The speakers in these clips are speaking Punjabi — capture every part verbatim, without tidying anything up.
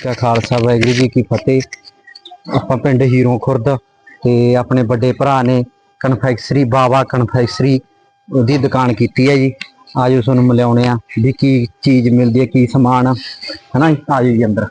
ਕਾ ਖਾਲਸਾ ਵਾਹਿਗੁਰੂ ਜੀ ਕੀ ਫਤਿਹ। ਆਪਾਂ ਪਿੰਡ ਹੀਰੋਂ ਖੁਰਦ ਤੇ ਆਪਣੇ ਵੱਡੇ ਭਰਾ ਨੇ ਕਨਫੈਕਸ਼ਨਰੀ ਬਾਵਾ ਕਨਫੈਕਸ਼ਨਰੀ ਉਹਦੀ ਦੁਕਾਨ ਕੀਤੀ ਹੈ ਜੀ। ਆਜੋ ਤੁਹਾਨੂੰ ਮਿਲਾਉਣੇ ਆ ਵੀ ਕੀ ਚੀਜ਼ ਮਿਲਦੀ ਹੈ, ਕੀ ਸਮਾਨ ਹੈ ਨਾ। ਆਜੋ ਜੀ ਅੰਦਰ।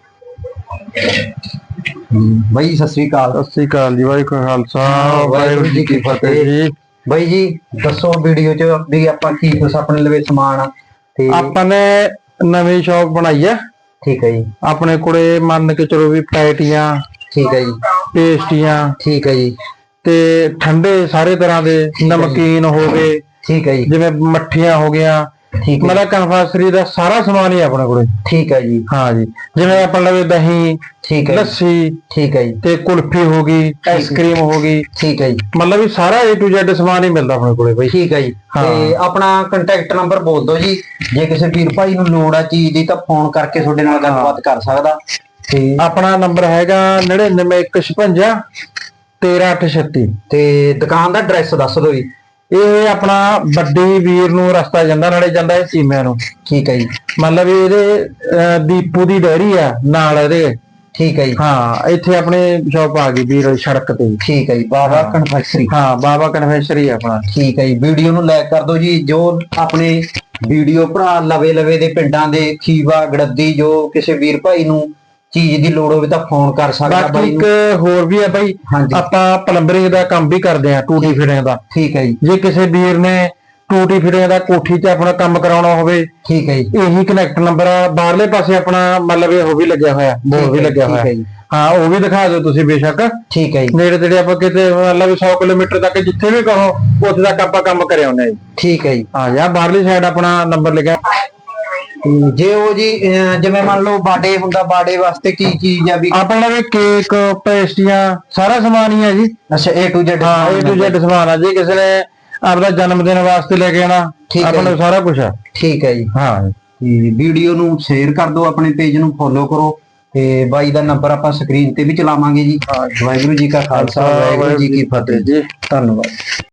ਬਾਈ ਸਤਿ ਸ੍ਰੀ ਅਕਾਲ। ਸਤਿ ਸ੍ਰੀ ਅਕਾਲ ਜੀ। ਵਾਹਿਗੁਰੂ ਜੀ ਖਾਲਸਾ ਵਾਹਿਗੁਰੂ ਜੀ ਕੀ ਫਤਿਹ ਜੀ। ਬਾਈ ਜੀ ਦੱਸੋ ਵੀਡੀਓ ਚ ਵੀ ਆਪਾਂ ਕੀ ਕੁਛ ਆਪਣੇ ਲਵੇ ਸਮਾਨ ਤੇ ਆਪਾਂ ਨੇ ਨਵੀਂ ਸ਼ੌਪ ਬਣਾਈ ਹੈ। ਠੀਕ ਹੈ ਜੀ। ਆਪਣੇ ਕੋਲੇ ਮੰਨ ਕੇ ਚਲੋ ਵੀ ਪੈਟੀਆਂ, ਠੀਕ ਹੈ ਜੀ, ਪੇਸਟੀਆਂ, ਠੀਕ ਹੈ ਜੀ, ਤੇ ਠੰਡੇ ਸਾਰੇ ਤਰ੍ਹਾਂ ਦੇ ਨਮਕੀਨ ਹੋ ਗਏ, ਠੀਕ ਹੈ ਜੀ, ਜਿਵੇਂ ਮੱਠੀਆਂ ਹੋ ਗਈਆਂ, ਠੀਕ ਹੈ ਮਤਲਬ ਕਨਫੈਕਸ਼ਨਰੀ ਦਾ ਸਾਰਾ ਸਮਾਨ ਹੀ ਆਪਣੇ ਕੋਲੇ। ਠੀਕ ਹੈ ਜੀ। ਹਾਂ ਜੀ, ਜਿਵੇਂ ਆਪਾਂ ਲਵੇ ਦਹੀਂ, ਠੀਕ ਹੈ, ਲੱਸੀ, ਠੀਕ ਹੈ ਜੀ, ਤੇ ਕੁਲਫੀ ਹੋ ਗਈ, ਆਈਸਕ੍ਰੀਮ ਹੋ ਗਈ, ਠੀਕ ਹੈ ਜੀ। ਮਤਲਬ ਵੀ ਸਾਰਾ ਏ ਟੂ ਜ਼ੈਡ ਸਮਾਨ ਹੀ ਮਿਲਦਾ ਆਪਣੇ ਕੋਲੇ ਬਈ। ਠੀਕ ਹੈ ਜੀ। ਤੇ ਆਪਣਾ ਕੰਟੈਕਟ ਨੰਬਰ ਬੋਲ ਦਿਓ ਜੀ, ਜੇ ਕਿਸੇ ਵੀਰ ਭਾਈ ਨੂੰ ਲੋੜ ਆ ਚੀਜ਼ ਦੀ ਤਾਂ ਫੋਨ ਕਰਕੇ ਤੁਹਾਡੇ ਨਾਲ ਗੱਲਬਾਤ ਕਰ ਸਕਦਾ। ਤੇ ਆਪਣਾ ਨੰਬਰ ਹੈਗਾ ਨੜਿਨਵੇਂ ਇੱਕ ਛਪੰਜਾ ਤੇਰਾਂ ਅੱਠ ਛੱਤੀ। ਤੇ ਦੁਕਾਨ ਦਾ ਐਡਰੈਸ ਦੱਸ ਦਿਓ ਜੀ। ਇਹ ਆਪਣਾ ਵੱਡੀ ਵੀਰ ਨੂੰ ਰਸਤਾ ਜਾਂਦਾ, ਨਾਲੇ ਜਾਂਦਾ ਇਹ ਸੀਮਿਆਂ ਨੂੰ। ਠੀਕ ਹੈ ਜੀ। ਮਤਲਬ ਇਹਦੇ ਅਹ ਦੀਪੂ ਦੀ ਡੈਰੀ ਆ ਨਾਲ ਇਹਦੇ। ਠੀਕ ਹੈ ਜੀ। ਹਾਂ, ਇੱਥੇ ਆਪਣੇ ਸ਼ੌਪ ਆ ਗਈ ਵੀਰ ਸੜਕ ਤੇ। ਠੀਕ ਹੈ ਜੀ। ਬਾਵਾ ਕਨਫੈਕਸ਼ਨਰੀ। ਹਾਂ, ਬਾਵਾ ਕਨਫੈਕਸ਼ਨਰੀ ਆਪਣਾ। ਠੀਕ ਹੈ ਜੀ। ਵੀਡੀਓ ਨੂੰ ਲਾਈਕ ਕਰ ਦਿਓ ਜੀ। ਜੋ ਆਪਣੇ ਵੀਡੀਓ ਭਰਾ ਲਵੇ ਲਵੇ ਦੇ ਪਿੰਡਾਂ ਦੇ ਖੀਵਾ ਗੜੱਦੀ ਜੋ ਕਿਸੇ ਵੀਰ ਭਾਈ ਨੂੰ ਚੀਜ਼ ਦੀ ਲੋੜ ਹੋਵੇ ਤਾਂ ਫੋਨ ਕਰ ਸਕਦਾ ਬਾਕੀ ਬਾਈ ਇੱਕ ਨੂੰ। ਹੋਰ ਵੀ ਹੈ ਬਾਈ, ਆਪਾਂ ਪਲੰਬਰਿੰਗ ਦਾ ਕੰਮ ਵੀ ਕਰਦੇ ਆ, ਟੂਟੀ ਫਿਟਿੰਗ ਦਾ। ਠੀਕ ਹੈ ਜੀ। ਜੇ ਕਿਸੇ ਵੀਰ ਨੇ ਟੂਟੀ ਫਿਟਿੰਗ ਦਾ ਕੋਠੀ 'ਚ ਆਪਣਾ ਕੰਮ ਕਰਾਉਣਾ ਹੋਵੇ, ਠੀਕ ਹੈ ਜੀ, ਇਹੀ ਕਨੈਕਟ ਨੰਬਰ ਆ। ਬਾਹਰਲੇ ਪਾਸੇ ਆਪਣਾ ਮਤਲਬ ਇਹ ਉਹ ਵੀ ਲੱਗਿਆ ਹੋਇਆ, ਬੋਰਡ ਵੀ ਲੱਗਿਆ ਹੋਇਆ। ਹਾਂ, ਉਹ ਵੀ ਦਿਖਾ ਦਿਓ ਤੁਸੀਂ ਬੇਸ਼ੱਕ। ਠੀਕ ਹੈ ਜੀ। ਨੇੜੇ ਤੇੜੇ ਆਪਾਂ ਕਿਤੇ ਮਤਲਬ ਸੌ ਕਿਲੋਮੀਟਰ ਤੱਕ ਜਿੱਥੇ ਵੀ ਕਹੋ ਉੱਥੇ ਤੱਕ ਆਪਾਂ ਕੰਮ ਕਰਿਆ ਹੁੰਦੇ ਜੀ। ਠੀਕ ਹੈ ਜੀ। ਹਾਂ ਯਾਰ, ਬਾਹਰਲੀ ਸਾਈਡ ਆਪਣਾ ਨੰਬਰ ਲਿਖਿਆ। ਜੇ ਉਹ ਜੀ ਜਿਵੇਂ ਮੰਨ ਲਓ ਬਰਥਡੇ ਹੁੰਦਾ, ਬਰਥਡੇ ਵਾਸਤੇ ਕੀ ਚੀਜ਼ ਆ ਵੀ ਆਪਣਾ ਵੀ ਕੇਕ, ਪੇਸਟੀਆਂ ਸਾਰਾ ਸਮਾਨ ਹੀ ਹੈ ਜੀ। ਅੱਛਾ, ਏ ਟੂ ਜ਼ੈਡ। ਹਾਂ, ਏ ਟੂ ਜ਼ੈਡ ਸਮਾਨ ਆ। ਜੇ ਕਿਸੇ ਨੇ ਆਪਦਾ ਜਨਮ ਦਿਨ ਵਾਸਤੇ ਲੈ ਕੇ ਆਣਾ, ਆਪਣਾ ਸਾਰਾ ਕੁਝ ਆ। ਠੀਕ ਹੈ ਜੀ। ਹਾਂ, ਵੀਡੀਓ ਨੂੰ ਸ਼ੇਅਰ ਕਰ ਦਿਓ, ਆਪਣੇ ਪੇਜ ਨੂੰ ਫੋਲੋ ਕਰੋ ਤੇ ਬਾਈ ਦਾ ਨੰਬਰ ਆਪਾਂ ਸਕਰੀਨ ਤੇ ਵੀ ਚਲਾਵਾਂਗੇ ਜੀ। ਵਾਹਿਗੁਰੂ ਜੀ ਕਾ ਖਾਲਸਾ ਵਾਹਿਗੁਰੂ ਜੀ ਕੀ ਫਤਿਹ ਜੀ। ਧੰਨਵਾਦ।